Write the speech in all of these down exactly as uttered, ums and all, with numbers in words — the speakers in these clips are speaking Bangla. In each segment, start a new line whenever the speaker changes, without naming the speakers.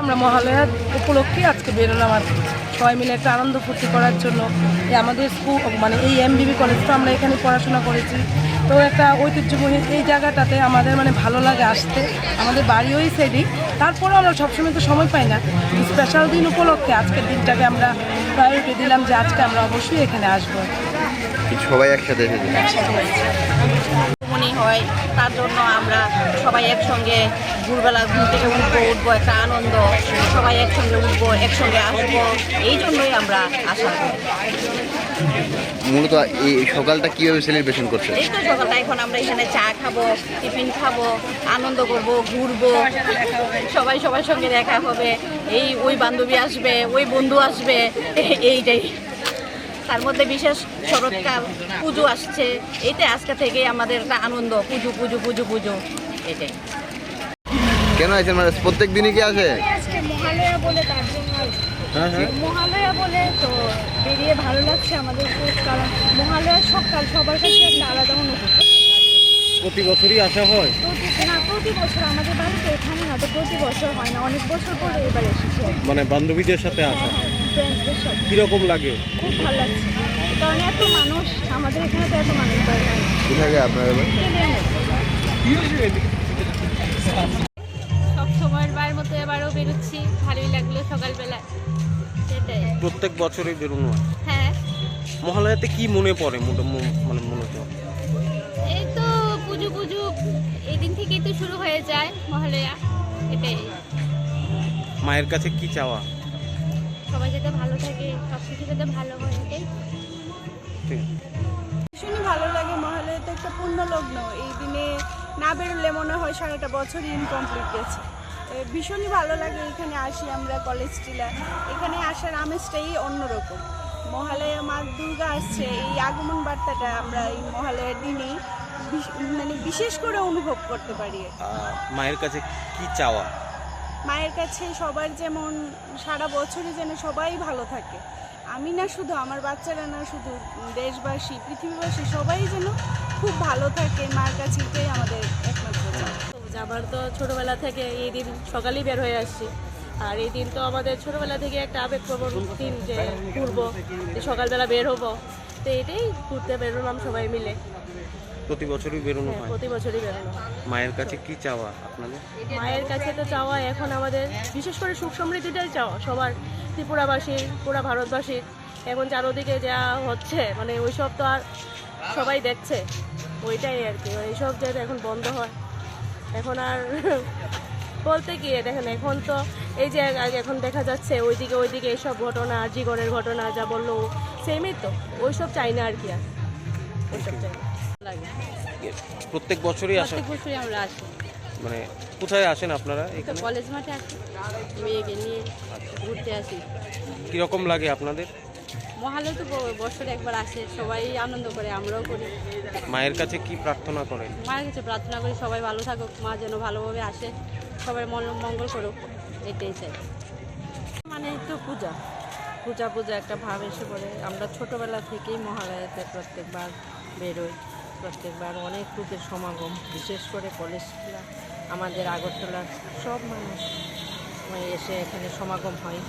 আমরা মহালয়ার উপলক্ষে আজকে বেরোলাম আর কি, সবাই মিলে একটা আনন্দ ফুর্তি করার জন্য। এই আমাদের স্কুল মানে এই এমবিবি কলেজটা আমরা এখানে পড়াশোনা করেছি, তো একটা ঐতিহ্যবাহী এই জায়গাটাতে আমাদের মানে ভালো লাগে আসতে। আমাদের বাড়ি ওই সাইডেই, তারপরেও আমরা সবসময় তো সময় পাই না। স্পেশাল দিন উপলক্ষে আজকের দিনটাকে আমরা প্রায়োরিটি দিলাম যে আজকে আমরা অবশ্যই এখানে আসবো।
সবাই একসাথে এসেছে,
মনে হয় তার জন্য আমরা সবাই একসঙ্গে ভোরবেলা ঘুম থেকে উঠবো উঠবো একটা আনন্দ, সবাই একসঙ্গে উঠবো একসঙ্গে আসবো, এই জন্যই আমরা আসা করি।
মূলত এই সকালটা কিভাবে সেলিব্রেশন করছে?
এই তো সকালটা এখন আমরা এখানে চা খাবো, টিফিন খাবো, আনন্দ করবো, ঘুরবো, সবাই সবার সঙ্গে দেখা হবে, এই ওই বান্ধবী আসবে, ওই বন্ধু আসবে, এইটাই। তার মধ্যে বিশেষ শরৎকাল পুজো আসছে, এইটা আজকে থেকেই আমাদের একটা আনন্দ, পুজো পুজো পুজো পুজো এটাই।
কেন আছেন মানে প্রত্যেক দিনই কি আসে?
আজকে মহালয়া বলে তার জন্য
হ্যাঁ হ্যাঁ
মহালয়া বলে তো বেরিয়ে ভালো লাগছে আমাদের খুব, কারণ মহালয়ার সকাল সবার কাছে একটা আলাদা অনুভূতি।
প্রতি বছরই আসা হয়?
প্রতি না প্রতি বছর আমাদের বাড়িতে এখানে না, তো প্রতি বছর হয় না, অনেক বছর পরে এবার এসেছি।
মানে বান্ধবীদের সাথে আসা,
ফ্রেন্ডসদের সাথে
কিরকম লাগে?
খুব ভালো লাগছে, কারণ এত মানুষ, আমাদের এখানে তো এত মানুষ হয় না।
কোথায় আপনার?
সব সময়ের বার মতো এবারও বেরোচ্ছি, ভালোই লাগলো সকালবেলা, সেটাই।
প্রত্যেক বছরই বেরোনো হয়?
হ্যাঁ,
মহালয়াতে কি মনে পড়ে মোটা- মো- মানে মূলত?
এই তো পুজো পুজো এই দিন থেকেই তো শুরু হয়ে যায় মহালয়া, এটাই।
মায়ের কাছে কি চাওয়া?
সবাই যাতে ভালো থাকে, সব কিছু যাতে ভালো হয়, এটাই।
ঠিক আছে।
ভীষণই ভালো লাগে। মহালয়া তো একটা পূর্ণ লগ্ন, এই দিনে না বেরোলে মনে হয় সারাটা বছরই ইনকমপ্লিট গেছে। এ, ভীষণই ভালো লাগে এখানে আসি আমরা, কলেজ টিলা, এখানে আসার আমেজটাই অন্যরকম। মহালয়া মা দুর্গা আসছে, এই আগমন বার্তাটা আমরা এই মহালয়ার দিনেই বিশ- মানে বিশেষ করে অনুভব করতে পারি।
আহ, মায়ের কাছে কি চাওয়া?
মায়ের কাছে সবার যেমন সারা বছরই যেন সবাই ভালো থাকে, আমি না শুধু, আমার বাচ্চারা না শুধু, দেশবাসী পৃথিবীবাসী সবাই যেন খুব ভালো থাকে, মার কাছে এটাই আমাদের একমাত্র চাওয়া।
আবার তো ছোটবেলা থেকে এই দিন সকালেই বের হয়ে আসছি, আর এই দিন তো আমাদের ছোটবেলা থেকে একটা আবেগপ্রবণ দিন যে ঘুরবো, যে সকালবেলা বের হবো, তো এটাই ঘুরতে বেরোলাম সবাই মিলে।
প্রতি বছরই বেরোনো
হ্যাঁ,
হয়?
প্রতি বছরই বেরোনো হয়।
মায়ের কাছে কি চাওয়া আপনাদের?
মায়ের কাছে তো চাওয়া এখন আমাদের বিশেষ করে সুখ সমৃদ্ধিটাই চাওয়া সবার, ত্রিপুরাবাসীর, পুরা ভারতবাসীর। এখন চারোদিকে যা হচ্ছে মানে ওইসব তো আর সবাই দেখছে, ওইটাই আর কি, এইসব যাতে এখন বন্ধ হয়। এখন আর বলতে কি দেখেন, এখন তো এই যে আগে এখন দেখা যাচ্ছে ওইদিকে ওইদিকে এইসব ঘটনা, জীবনের ঘটনা যা বললো সেমই তো, ওইসব চাই না আর কি, আর ওইসব চাই না।
প্রত্যেক বছরই আসা?
প্রত্যেক বছরই আমরা আসি,
মানে কোথায় আসেন আপনারা
তো
এখানে?
কলেজ মাঠে আসি, মেয়েকে নিয়ে ঘুরতে আসি।
কিরকম লাগে আপনাদের?
মহালয়া তো ব- বছরে একবার আসে, সবাই আনন্দ করে, আমরাও করি।
মায়ের কাছে কি প্রার্থনা করেন?
মায়ের কাছে প্রার্থনা করি সবাই ভালো থাকুক, মা যেন ভালোভাবে আসে, সবাই মন- মঙ্গল করুক, এটাই চাই।
মানে একটু পূজা পূজা পূজা একটা ভাব এসে পড়ে। আমরা ছোটবেলা থেকেই মহালয়াতে প্রত্যেকবার বেরোই, প্রত্যেকবার অনেক লোকের সমাগম, বিশেষ করে কলেজ টিলা, আমাদের আগরতলার সব মানুষ মানে এসে এখানে সমাগম হয়।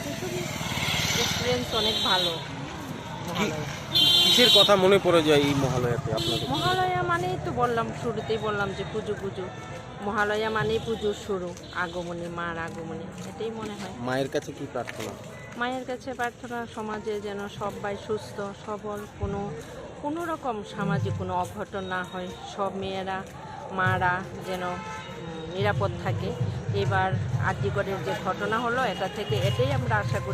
এক্সপিরিয়েন্স অনেক ভালো মহালয়া।
কিসের কথা মনে পড়ে যায় এই মহালয়াতে আপনাদের?
মহালয়া মানেই তো বললাম, শুরুতেই বললাম যে পুজো পুজো, মহালয়া মানেই পুজোর শুরু, আগমনী, মার আগমনী, এটাই মনে হয়।
মায়ের কাছে কি প্রার্থনা?
মায়ের কাছে প্রার্থনা সমাজে যেন সবাই সুস্থ সবল, কোনো কোনো রকম সামাজিক কোনো অঘটন না হয়, সব মেয়েরা মারা যেন উম, নিরাপদ থাকে। এবার আরজিকরের যে ঘটনা হলো, এটা থেকে এটাই আমরা আশা করি।